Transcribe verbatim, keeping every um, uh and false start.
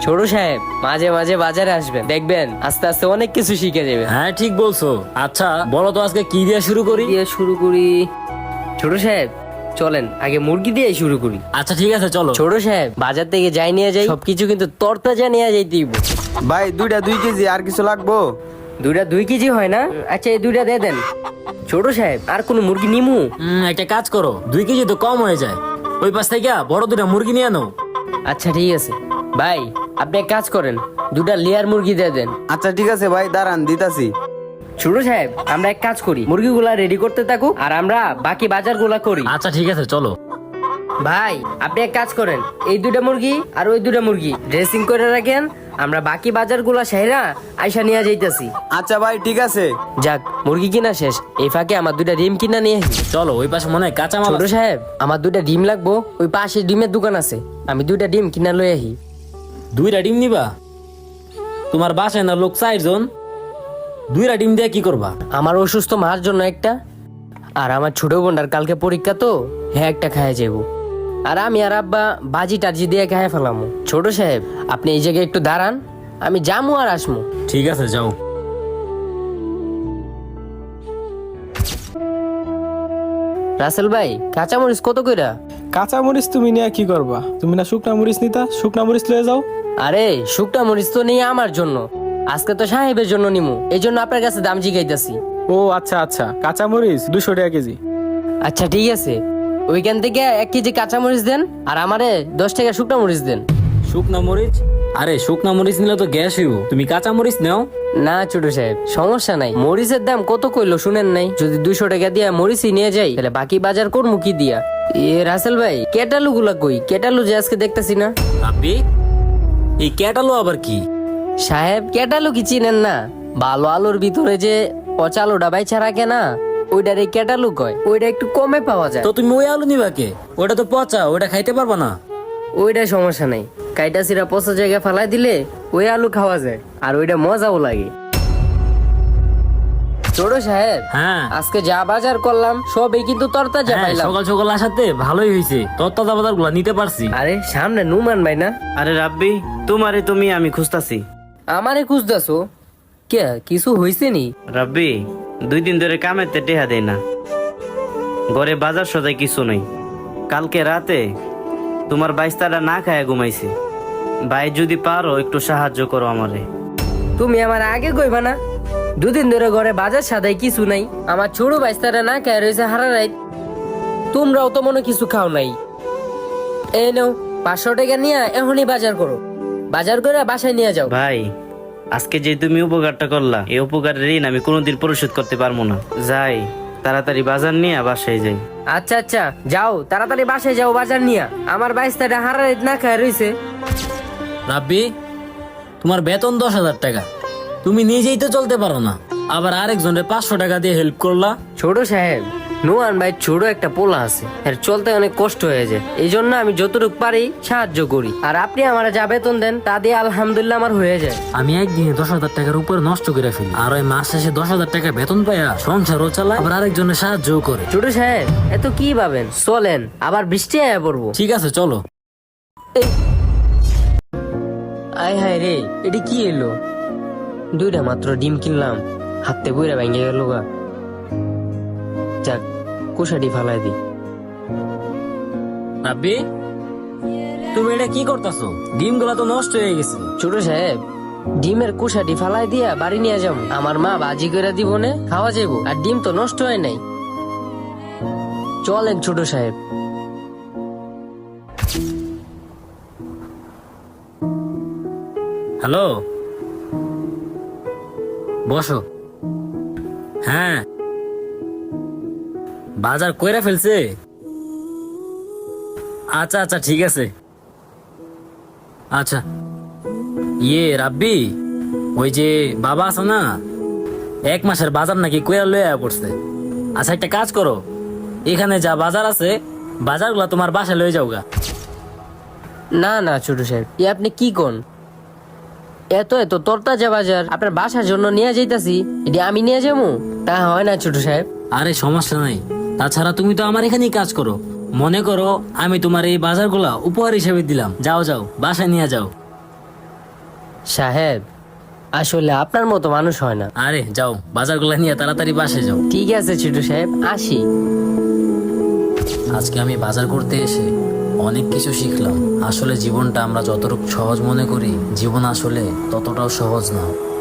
ছোট সাহেব মাঝে মাঝে বাজারে আসবেন, দেখবেন আস্তে আস্তে অনেক কিছু শিখে যাবে। হ্যাঁ ঠিক বলছো। আচ্ছা বলো তো আজকে কি দিয়ে শুরু করি? দিয়ে শুরু করি ছোট সাহেব, চলেন আগে মুরগি দিয়ে শুরু করি। আচ্ছা ঠিক আছে চলো। ছোট সাহেব বাজার থেকে যাই নিয়ে যাই, সবকিছু কিন্তু তরতাজা নিয়ে যাই দিব। ভাই দুইটা দুই কেজি আর কিছু লাগবো? দুইটা দুই কেজি হয় না? আচ্ছা এই দুইটা দিয়ে দেন। ছোট সাহেব আর কোনো মুরগি নিমু? হুম, একটা কাজ করো, দুই কেজি তো কম হয়ে যায়, ওই পাশ থেকে বড় দুটা মুরগি নিয়ে নাও। আচ্ছা ঠিক আছে ভাই, আপনি এক কাজ করেন, দুটা লেয়ার মুরগি দিয়ে দেন। আচ্ছা ঠিক আছে ভাই, দাঁড়ান দিতাছি। ছোট সাহেব আমরা এক কাজ করি, মুরগিগুলা রেডি করতে থাকুক আর আমরা বাকি বাজারগুলা করি। আচ্ছা ঠিক আছে চলো। ভাই আপনি এক কাজ করেন, এই দুটা মুরগি আর ওই দুটা মুরগি ড্রেসিং করে রাখেন, আমরা বাকি বাজারগুলা সেরা আইসা নিয়ে যাইতাছি। আচ্ছা ভাই ঠিক আছে। যাক মুরগি কিনা শেষ, এই ফাঁকে আমার দুটা ডিম কিনা নিয়ে আসি। চলো, ওই পাশে মনে হয় কাঁচা মাল ছোট আছে। সাহেব আমার দুটা ডিম লাগবো, ওই পাশে ডিমের দোকান আছে, আমি দুইটা ডিম কিনা লই আহি। দুইটা ডিম নিবা? তোমার বাসায় না লোক চারজন, দুইটা ডিম দিয়ে কি করবা? আমার অসুস্থ মার জন্য একটা, আর আমার ছোট বোনটার কালকে পরীক্ষা তো, হ্যাঁ একটা খাইয়া যাবো, আর আমি আর আব্বা বাজি টাজি দিয়ে খাইয়া ফেলামো। ছোট সাহেব আপনি এই জায়গায় একটু দাঁড়ান, আমি যামু আর আসমু। ঠিক আছে যাও। রাসেল ভাই কাঁচামরিচ কত কইরা? কাঁচা মরিচ তুমি নিয়ে কি করবা? তুমি না শুকনা মরিচ নিতা, শুকনা মরিচ লয়ে যাও। আরে শুকনা মরিচ তো নেই আমার জন্য, আজকে তো সাহেবের জন্য নিমু, এই জন্য আপনার কাছে দাম জিগাইতাছি। ও আচ্ছা আচ্ছা, কাঁচা মরিচ দুশো টাকা কেজি। আচ্ছা ঠিক আছে, ওইখান থেকে এক কেজি কাঁচামরিচ দেন, আর আমারে দশ টাকা শুকনা মরিচ দেন। শুকনা মরিচ? আরে শুকনা মরিচ নিলে তো গ্যাস হইব, তুমি কাঁচা মরিচ নাও। না ছোট সাহেব সমস্যা নাই, মরিচের দাম কত কইলো শুনেন নাই? যদি দুইশো টাকা দিয়া মরিচই নিয়ে যাই, তাহলে বাকি বাজার করবো কি দিয়া? এ রাসেল ভাই কেটালু গুলা কই? কেটালু যে আজকে দেখতেছি না। আপনি এই ক্যাটালো আবার কি? সাহেব কেটালু কি চিনেন না? ভালো আলুর ভিতরে যে পচা আলুটা বাইছা রাখে না, ওইটার এই কেটালু কয়, ওইটা একটু কমে পাওয়া যায়। তো তুমি ওই আলু নিবা কে? ওটা তো পচা, ওটা খাইতে পারবা না। ওইটা সমস্যা নাই, কাইটা সিরা পচা জায়গায় ফালাই দিলে ওই আলু খাওয়া যায়, আর ওইটা মজাও লাগে। ছোট সাহেব হ্যাঁ আজকে যা বাজার করলাম সবই কিন্তু তরতাজা হ্যাঁ, পাইলাম। সকাল সকাল আসাতে ভালোই হয়েছে, তত্ত্বাদা বাজার গুলা নিতে পারছি। আরে সামনে নুমান ভাই না? আরে রাব্বি, তোমারে তুমি আমি খুঁজতাছি। আমারে খুঁজতেছো কে? কিছু হইছে নি? রাব্বি দুই দিন ধরে কামেতে টেহা দেয় না, ঘরে বাজার সদাই কিছু নাই। কালকে রাতে তোমার বাইস্তারা না খায়া ঘুমাইছে। ভাই যদি পারো একটু সাহায্য করো আমারে। তুমি আমার আগে কইবা না? দুদিন ধরে ঘরে বাজার সাদাই কিছু নাই, আমার ছোট বাইস্তারা না খায় রয়েছে হারা রাত, তোমরাও তো মনে কিছু খাও নাই। এই নাও পাঁচশো টাকা নিয়ে এখনই বাজার করো, বাজার করে বাসায় নিয়ে যাও। ভাই আজকে যে তুমি উপকারটা করলা, এই উপকারের ঋণ আমি কোনোদিন পরিশোধ করতে পারবো না। যাই তাড়াতাড়ি বাজার নিয়ে বাসায় যাই। আচ্ছা আচ্ছা যাও তাড়াতাড়ি বাসায় যাও বাজার নিয়ে, আমার বাইস্তারা হারা রাত না খায় রয়েছে। রাব্বি তোমার বেতন দশ হাজার টাকা, তুমি নিজেই তো চলতে পারো না, আবার আরেকজনের পাঁচশো টাকা দিয়ে হেল্প করলা। ছোট সাহেব নুয়ান ভাই ছোট একটা পোলা আছে, এর চলতে অনেক কষ্ট হয়ে যায়, এই জন্য আমি যতটুকু পারি সাহায্য করি, আর আপনি আমার যা বেতন দেন তা দিয়ে আলহামদুলিল্লাহ আমার হয়ে যায়। আমি একদিনে দশ হাজার টাকার উপর নষ্ট করে ফেলি, আর ওই মাস শেষে দশ হাজার টাকা বেতন পাইয়া সংসারও চালায়, আবার আরেকজনের সাহায্য করে। ছোট সাহেব এত কি ভাবেন, চলেন আবার বৃষ্টি আয়া পড়বো। ঠিক আছে চলো। আয় হায় রে, এটি কি এলো? দুইটা মাত্র ডিম কিনলাম, হাতে বইরা ভেঙে গেল গা। যাক কুশাটি ফালাই দি। রাব্বি তুমি এটা কি করতেছো? ডিম গুলা তো নষ্ট হয়ে গেছে। ছোট সাহেব ডিমের কুশাটি ফালাই দিয়া বাড়ি নিয়ে যাবো, আমার মা বাজি করে দিব নে খাওয়া যাবো, আর ডিম তো নষ্ট হয় নাই। চলেন ছোট সাহেব। হ্যালো, বসো। হ্যাঁ বাজার কইরা ফেলছে? আচ্ছা আচ্ছা ঠিক আছে। আচ্ছা ইয়ে রাব্বি, ওই যে বাবা আছে না, এক মাসের বাজার নাকি কইরা লইয়া পড়ছে। আচ্ছা একটা কাজ করো, এখানে যা বাজার আছে বাজারগুলা তোমার বাসায় লয়ে যাওগা। না না ছোট সাহেব এ আপনি কি কোন? এত এত তরতাজা বাজার আপনার বাসার জন্য নিয়ে যাইতাছি, এটি আমি নিয়ে যাবো? তা হয় না ছোট সাহেব। আরে সমস্যা নাই, তাছাড়া তুমি তো আমার এখানেই কাজ করো, মনে করো আমি তোমার এই বাজারগুলা উপহার হিসেবে দিলাম, যাও যাও বাসায় নিয়ে যাও। সাহেব আসলে আপনার মতো মানুষ হয় না। আরে যাও, বাজারগুলো নিয়ে তাড়াতাড়ি বাসে যাও। ঠিক আছে ছোট সাহেব, আসি। আজকে আমি বাজার করতে এসে অনেক কিছু শিখলাম। আসলে জীবনটা আমরা যতটুকু সহজ মনে করি, জীবন আসলে ততটাও সহজ না।